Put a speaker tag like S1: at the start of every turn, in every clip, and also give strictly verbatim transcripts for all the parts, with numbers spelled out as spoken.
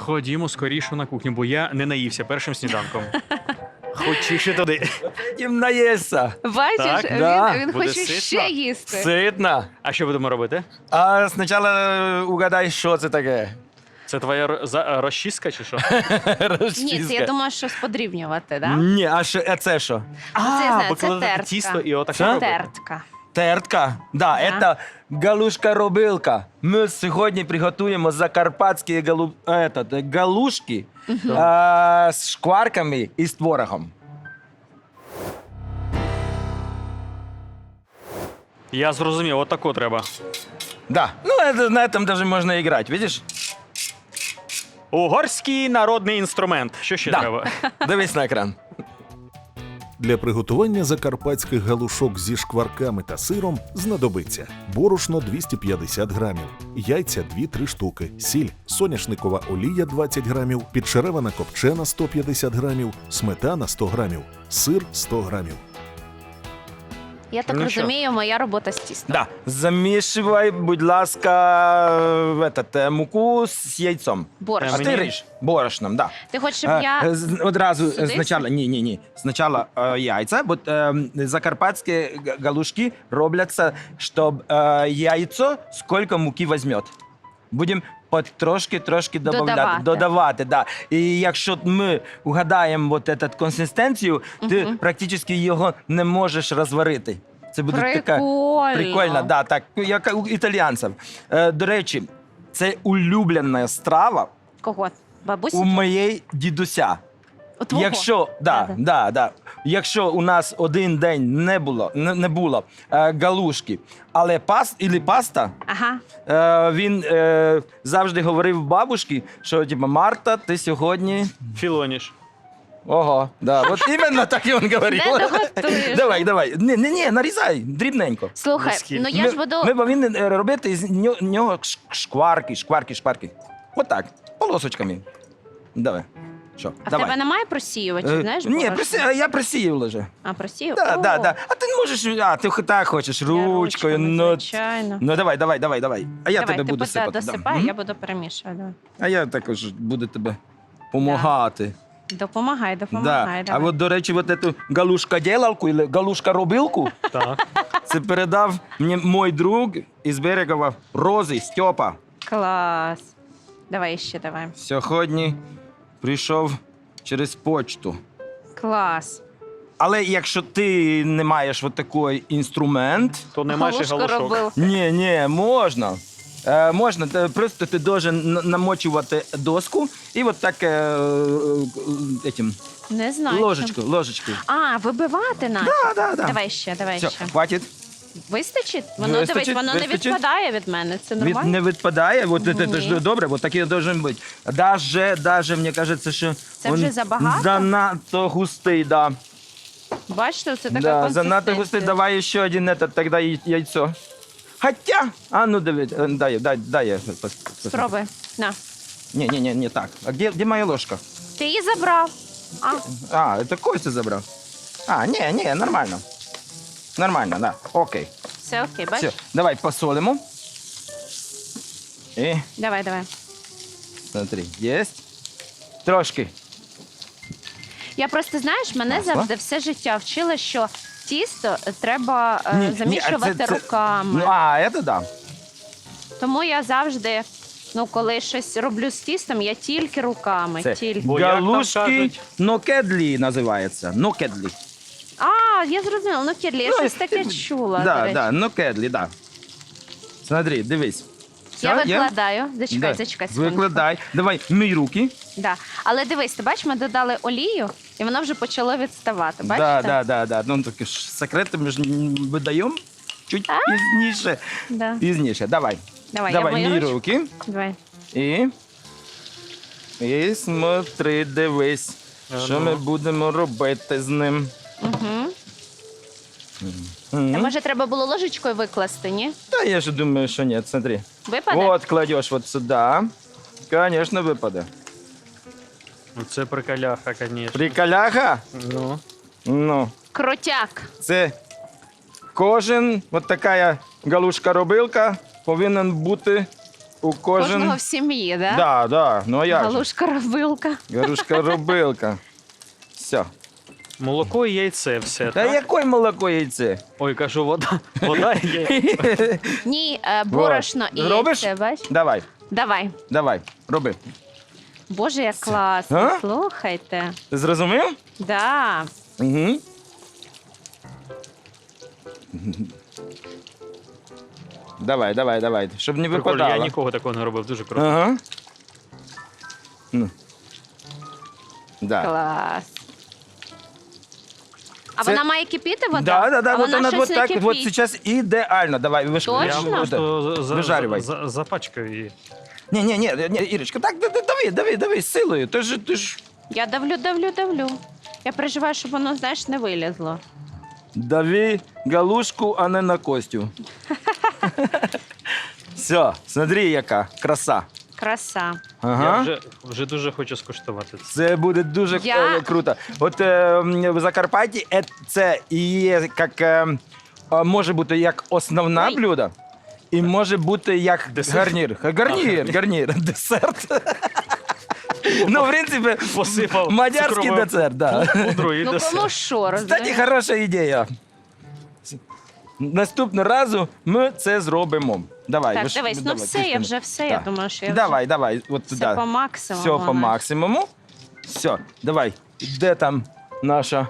S1: Ходімо скоріше на кухню, бо я не наївся першим сніданком. Хочіше туди.
S2: Тим наїсться.
S3: Бачиш,
S1: Так,
S3: він,
S2: да.
S3: він
S1: Буде
S3: хоче
S1: ситно.
S3: ще їсти.
S2: Ситно.
S1: А що будемо робити?
S2: А спочатку угадай, що це таке.
S1: Це твоя ро- за- розчіска чи що?
S3: Ні, це я думаю, щось подрівнювати, так?
S2: Ні, а що, а це що?
S3: це я знаю, це
S1: викладати
S3: тертка.
S1: тісто і отак
S2: Що?
S1: робити?
S3: Тертка.
S2: Тертка? Да,
S3: Да.
S2: це галушка-робилка. Ми сьогодні приготуємо закарпатські галу... этот, галушки а, з шкварками і з творогом.
S1: Я зрозумів, отако треба.
S2: Да, ну это, на этом даже можно играть, видишь?
S1: Угорський народний інструмент. Що ще
S2: Да.
S1: треба?
S2: Дивись на екран.
S4: Для приготування закарпатських галушок зі шкварками та сиром знадобиться борошно двісті п'ятдесят грамів, яйця дві-три штуки, сіль, соняшникова олія двадцять грамів, підшеревана копчена сто п'ятдесят грамів, сметана сто грамів, сир сто грамів.
S3: Я так
S1: Ну що?
S3: розумію, моя робота з тістом.
S2: Да, замішивай, будь ласка, в этот, е, муку з яйцом.
S3: Борщ.
S2: А
S1: Мені-
S2: ти ріж борошном, да.
S3: Ти хочеш, щоб
S2: Е,
S3: я...
S2: е, з- Одразу
S3: Сюди?
S2: спочатку, ні, ні, ні. Спочатку е, яйця, бо е, закарпатські г- галушки робляться, щоб е, яйцо скільки муки візьме. Будемо трошки-трошки додавати.
S3: Додавати.
S2: додавати да. І якщо ми угадаємо вот этот консистенцію, ти практично його не можеш розварити. Це буде така
S3: Прикольно.
S2: прикольно, да, так, як у італіянців. Е, до речі, це улюблена страва
S3: Кого? Бабусі?
S2: у моєї дідуся.
S3: У твого?
S2: Якщо, да,
S3: Да-да.
S2: да, да. Якщо у нас один день не було, не, не було е, галушки, але пас, ілі паста,
S3: Ага.
S2: е, він е, завжди говорив бабушці, що типу, Марта, ти сьогодні.
S1: Філоніш.
S2: Ого, да, от іменно так і він говорив.
S3: Не доготуєш.
S2: Давай, давай. Ні, ні, ні, нарізай, дрібненько.
S3: Слухай,
S1: Наскільки?
S3: ну я
S2: ми,
S3: ж буду...
S2: ми повинні е, робити з нього, нього ш- шкварки, шкварки, шкварки. Отак, полосочками. Давай. Що,
S3: А в
S2: давай.
S3: тебе немає просіювачів,
S2: Е,
S3: знаєш?
S2: Ні,
S3: борошна?
S2: просі... я просіяв вже.
S3: А, просію?
S2: Да,
S3: О,
S2: да, да. А ти не можеш, а ти так хочеш,
S3: я
S2: ручкою.
S3: ручками,
S2: Ну,
S3: звичайно.
S2: ну давай, давай, давай, давай. А я
S3: Давай,
S2: тебе
S3: ти
S2: буду
S3: поте-
S2: сипати. да.
S3: досипай,
S2: Мгм.
S3: я буду перемішувати. Давай.
S2: А я також буду тебе допомагати.
S3: Допомагай,
S2: Да.
S3: допомагай.
S2: А
S3: давай.
S2: от, до речі, от эту галушка-ділалку, или галушка-робилку,
S1: Так.
S2: це передав мені мій друг із Берегова, Рози, Стьопа.
S3: Клас. Давай ще, давай.
S2: Сьогодні прийшов через почту.
S3: Клас.
S2: Але якщо ти не маєш от такий інструмент,
S1: То немає ще
S3: Галушка
S1: галушок.
S3: робив.
S2: ні, ні, можна. Е, можна, Те- просто ти должен н- намочувати доску і от так е, е, этим,
S3: Не знаю.
S2: ложечку,
S3: чим.
S2: ложечкою.
S3: А, вибивати надо.
S2: Да, да, да.
S3: Давай ще, давай
S2: Все,
S3: ще.
S2: хватить.
S3: Вистачить? Воно,
S2: Вистачить,
S3: дивись, воно не
S2: вистачить.
S3: відпадає від мене. Це
S2: Від,
S3: нормально?
S2: не відпадає, от це, це
S3: Ні.
S2: ж добре, от таке должен бути. Даже, даже, мені кажеться, що
S3: Це
S2: він
S3: вже забагато?
S2: занадто густий, да.
S3: Бачите, це така
S2: Да, занадто
S3: консистенція.
S2: густий, давай ще один этот, тогда яй- яйцо. Хотя, а ну дивись, е, дай, дай, дай я. пос- пос-
S3: Спробуй. На.
S2: Не, не, не, не так. А где, где моя ложка?
S3: Ти її забрав. А,
S2: А, это Костя забрал. А, не, не, нормально. Нормально, да. Окей.
S3: все окей,
S2: Все,
S3: бачиш?
S2: давай посолимо. І,
S3: Давай, давай.
S2: смотри, есть. Трошки.
S3: Я просто, знаєш, мене
S2: Масло?
S3: завжди все життя вчила, що тісто треба е,
S2: Ні, ні, а
S3: замішувати
S2: це- це-
S3: руками.
S2: Ну, а, это да.
S3: Тому я завжди, ну, коли щось роблю з тістом, я тільки руками.
S2: Це
S3: Тільки.
S1: Бо як там
S2: галушки
S1: кажуть?
S2: нокедлі називається. Нокедлі.
S3: А, я зрозуміла, ну Кірлі, я
S2: Ну,
S3: щось
S2: і-
S3: таке чула. до
S2: Да,
S3: речі.
S2: да, нокедлі, да. Смотри, дивись.
S3: Я
S2: Все, є?
S3: викладаю. Зачекай,
S2: Да.
S3: зачекай секундочку.
S2: Викладай. Давай, мій руки.
S3: Да. Але дивись, ти бачиш, ми додали олію, і воно вже почало відставати. Бачите?
S2: Да, да, да, да. Ну, такі ж секрети ми ж м, видаємо чуть пізніше.
S3: Да.
S2: Пізніше. Давай.
S3: Давай, я
S2: Давай,
S3: мою
S2: мій
S3: ручку.
S2: руки.
S3: Давай.
S2: І. І смотри, дивись,
S1: А
S2: що
S1: ну.
S2: ми будемо робити з ним.
S3: Угу.
S2: Мгм.
S3: А може треба було ложечкою викласти, ні?
S2: Та я ж думаю, що ні, смотри.
S3: Випаде?
S2: Вот кладеш вот сюди. Конечно, випаде.
S1: Це приколяха, звісно.
S2: Приколяха?
S1: Ну.
S2: Ну,
S3: Крутяк.
S2: це кожен, от така галушка-робилка повинен бути у кожен...
S3: Кожного в сім'ї, да?
S2: Да, да, ну а як же?
S3: Галушка-робилка.
S2: Гарушка робилка. Все.
S1: Молоко і яйце все.
S2: Та
S1: так?
S2: якої молоко яйце?
S1: Ой, кажу, вода. Вода і яйце.
S3: Ні, е, борошно і
S2: Зробиш?
S3: яйце, бач?
S2: Давай,
S3: Давай.
S2: давай, роби.
S3: Боже, як класно.
S2: А?
S3: Слухайте.
S2: Ти зрозумів?
S3: Да.
S2: Угу. Давай, давай, давай, щоб не
S1: Прикольно,
S2: випадало.
S1: я нікого такого не робив, дуже круто.
S2: Ага. Ну. Да.
S3: Клас. А
S2: Це-
S3: вона має кипіти вода?
S2: Да, да, да,
S3: а
S2: вот
S3: вона
S2: она
S3: щось
S2: вот
S3: не
S2: так,
S3: кипить.
S2: вот сейчас идеально. Давай, виш...
S3: Точно?
S1: Я
S3: Точно?
S1: просто за- за-
S2: Вижарювай.
S1: за- запачкаю її.
S2: Не, не, не, не, Ирочка, так, да- да- дави, дави, дави, з силою. Ти ж, ти ж...
S3: Я давлю, давлю, давлю. Я переживаю, щоб воно, знаєш, не вилізло.
S2: Дави галушку, а не на Костю. Все, смотри, яка краса.
S3: Краса.
S2: Ага.
S1: Я вже, вже дуже хочу скуштувати це.
S2: Це буде дуже
S3: Я-
S2: е, круто. От е, м, в Закарпатті е, це і є як, е, е, може бути як основне
S3: Ой.
S2: блюдо, і може бути як
S1: Десерт?
S2: гарнір. Гарнір, гарнір, десерт. Ну, в принципі,
S1: Посипав
S2: мадярський
S1: цукровою
S2: десерт, да.
S1: пудрою і
S3: Ну
S1: десерт.
S3: кому що,
S2: Кстати,
S3: розумієш?
S2: хороша ідея. Наступного разу ми це зробимо. Давай.
S3: Так,
S2: ви ж-
S3: дивись, ну
S2: давай,
S3: все, я
S2: Кристина.
S3: вже все, я
S2: Так.
S3: думаю, що я
S2: Давай, давай, от
S3: вже
S2: туди.
S3: все по максимуму.
S2: Все по
S3: знаєш.
S2: максимуму. Все, давай. Де там наша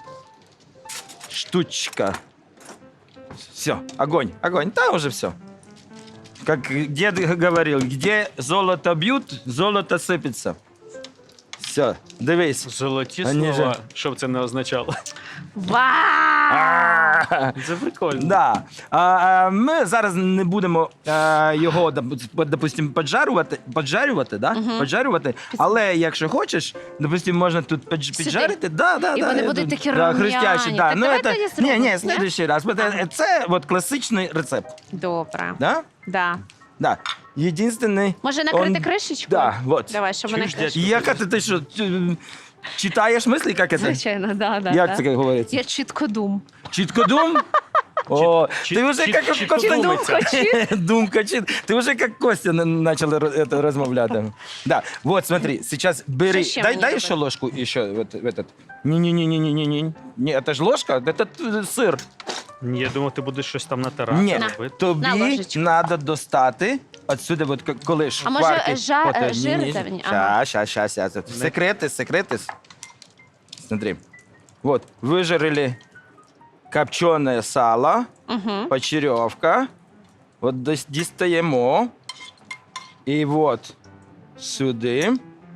S2: штучка? Все, огонь, огонь. Там уже все. Как дед говорил, где золото бьют, золото сыпется. Все, дивись.
S1: Золоті
S2: Вони
S1: слова,
S2: же-
S1: що б це не означало.
S3: Вау!
S2: А!
S1: Це прикольно.
S2: Да. А, а, ми зараз не будемо а, його, доп- допустим, поджарювати, поджарювати, да? поджарювати. Але якщо хочеш, допустим, можна тут подж-
S3: Сюди.
S2: піджарити. Да, да,
S3: І
S2: да,
S3: вони
S2: я
S3: будуть
S2: тут-
S3: такі
S2: да,
S3: рум'яні.
S2: хрустящі, да.
S3: Так
S2: Ну,
S3: давай
S2: это-
S3: тоді
S2: ні,
S3: зробимо,
S2: ні,
S3: ні?
S2: следующий раз. Бо це- Це от класичний рецепт.
S3: Добре.
S2: Да?
S3: Да.
S2: Да. Єдинственний...
S3: Може накрити
S2: он-
S3: кришечку?
S2: Да, вот.
S3: Давай, щоб вони
S1: Чуєш, дядь?
S3: кришечку.
S2: Яка ти, ти що, ч- читаєш мислі, як це?
S3: Звичайно, да, да.
S2: Як
S3: да.
S2: це говориться?
S3: Я чітко дум.
S2: Чіткодум? О,
S1: чіт-
S2: ти вже
S1: чіт-
S2: як
S1: чітко
S2: Костя
S1: думається.
S2: Думка чит. Ты уже как Костя начал это размовлять. Да, вот смотри, сейчас бери,
S3: Что еще
S2: дай,
S3: мне
S2: дай
S3: добавить?
S2: еще ложку еще в, это- в этот. Не-не-не-не-не-не, не, это же ложка, это т- сыр.
S1: Ні, я думав, ти будеш щось там натирати.
S2: Ні,
S1: робити.
S3: На
S2: тобі
S3: ложечку.
S2: треба достати отсюди, от к- коли ж
S3: А може,
S2: шкварки,
S3: жа-
S2: от,
S3: е,
S2: ні,
S3: жир
S2: ні,
S3: там? Ага.
S2: Щас, щас, щас, щас. Секрети, секрети. Смотри, вот, выжарили копченое сало,
S3: Угу.
S2: почеревка. От дос- дістаємо. І от сюди.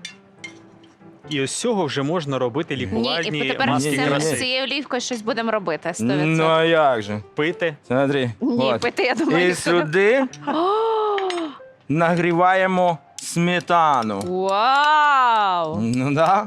S1: І ось з цього вже можна робити
S3: Ні,
S1: лікувальні
S3: і тепер з
S1: маски
S2: Ні, ні,
S3: цим-
S2: ні.
S3: з
S1: краси.
S3: цією олівкою щось будемо робити. сто
S2: Ну
S3: відсотків.
S2: а як же?
S1: Пити.
S2: Смотри.
S3: Ні,
S2: от.
S3: пити, я думаю,
S2: І
S3: ніхто не-
S2: сюди
S3: О,
S2: нагріваємо сметану.
S3: Вау!
S2: Ну да.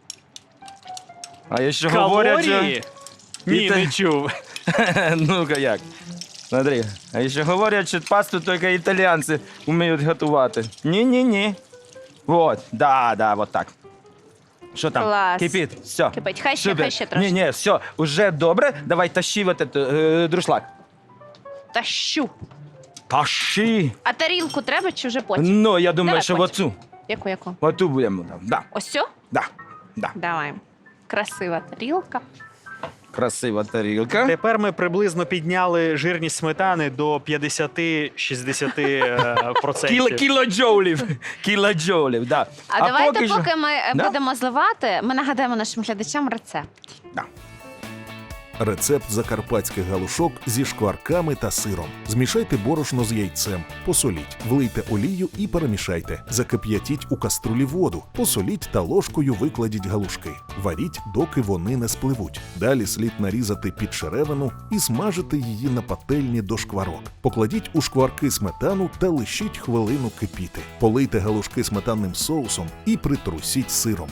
S2: А ще говорять, що...
S1: Калорії? Ні,
S2: І те-
S1: не чув.
S2: Ну-ка як. Смотри. А ще говорять, що пасту тільки італійці вміють готувати. Ні-ні-ні. Вот, да, да, вот так. Що там?
S3: Клас.
S2: Кипить. Все.
S3: Кипить. Хай ще,
S2: Супер.
S3: хай ще трошки.
S2: Ні, ні, все, уже добре. Давай тащи вот этот е, друшлак.
S3: Тащу.
S2: Тащи.
S3: А тарілку треба чи вже потім?
S2: Ну, я думаю,
S3: Давай
S2: що
S3: потім.
S2: оцю.
S3: Яку, яку?
S2: Оту будемо там. Да,
S3: Ось цю?
S2: да, да.
S3: Давай. Красива тарілка.
S2: Красива тарілка.
S1: Тепер ми приблизно підняли жирність сметани до п'ятдесят-шістдесят е, процентів.
S2: Кіло, кілоджоулів. Кілоджоулів, да.
S3: А, давайте,
S2: що-
S3: поки ми е,
S2: Да?
S3: будемо зливати, ми нагадаємо нашим глядачам рецепт.
S2: Да.
S4: Рецепт закарпатських галушок зі шкварками та сиром. Змішайте борошно з яйцем, посоліть, влийте олію і перемішайте. Закип'ятіть у каструлі воду, посоліть та ложкою викладіть галушки. Варіть, доки вони не спливуть. Далі слід нарізати під черевину і смажити її на пательні до шкварок. Покладіть у шкварки сметану та лишіть хвилину кипіти. Полийте галушки сметанним соусом і притрусіть сиром.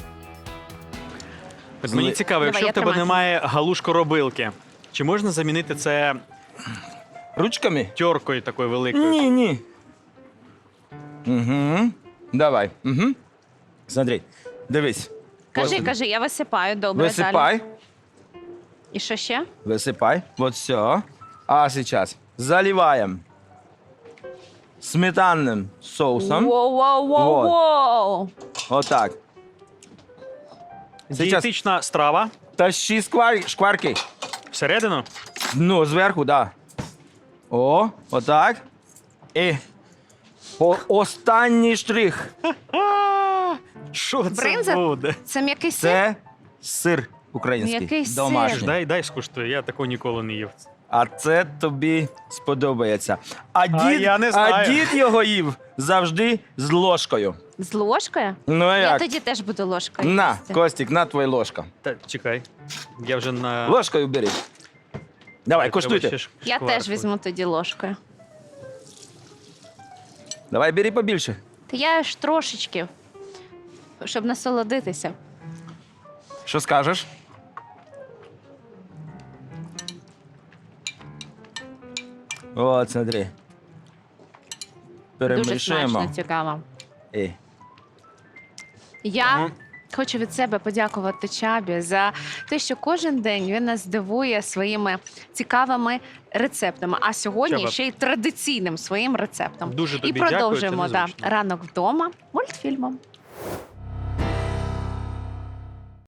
S1: От мені цікаво,
S3: Давай,
S1: якщо
S3: я
S1: в тебе
S3: тримаю.
S1: немає галушко-робилки, чи можна замінити це
S2: Ручками?
S1: тьоркою такою великою?
S2: Ні, ні. Угу. Давай. Угу. Смотри, дивись.
S3: Кажи,
S2: От,
S3: кажи, я висипаю, добре. Далі.
S2: Висипай,
S3: І що ще?
S2: висипай. Вот все. А сейчас заливаем. сметанним соусом.
S3: Воу-воу-воу-воу!
S2: Отак. Сейчас
S1: Дієтична страва.
S2: тащи сквар... шкварки.
S1: Всередину.
S2: Ну, зверху, да. О, отак. І по останній штрих.
S1: А, Що це
S3: Бринза?
S1: буде?
S3: Це м'який сир?
S2: Це сир український.
S3: Який сир?
S2: Домашній.
S1: Дай, дай скуштую, я такого ніколи не їв.
S2: А це тобі сподобається. А дід,
S1: я не знаю.
S2: а дід його їв завжди з ложкою.
S3: З ложкою?
S2: Ну а
S3: Я
S2: як?
S3: тоді теж буду ложкою.
S2: На,
S3: їсти.
S2: Костік, на твоя ложка.
S1: Та чекай. Я вже на.
S2: Ложкою бери. Давай,
S1: Треба
S2: коштуйте.
S1: ще ш-
S3: Я
S1: шкварку.
S3: теж візьму тоді ложкою.
S2: Давай, бери побільше.
S3: Та я ж трошечки, щоб насолодитися.
S2: Що скажеш? От, смотри.
S3: Дуже
S2: Перемішуємо.
S3: смачно, цікаво.
S2: І.
S3: Я
S1: Мгм.
S3: хочу від себе подякувати Чабі за те, що кожен день він нас дивує своїми цікавими рецептами, а сьогодні
S1: Чаба.
S3: ще й традиційним своїм рецептом.
S1: Дуже
S3: І
S1: тобі дякую, це
S3: продовжуємо да,
S1: незвично.
S3: ранок вдома мультфільмом.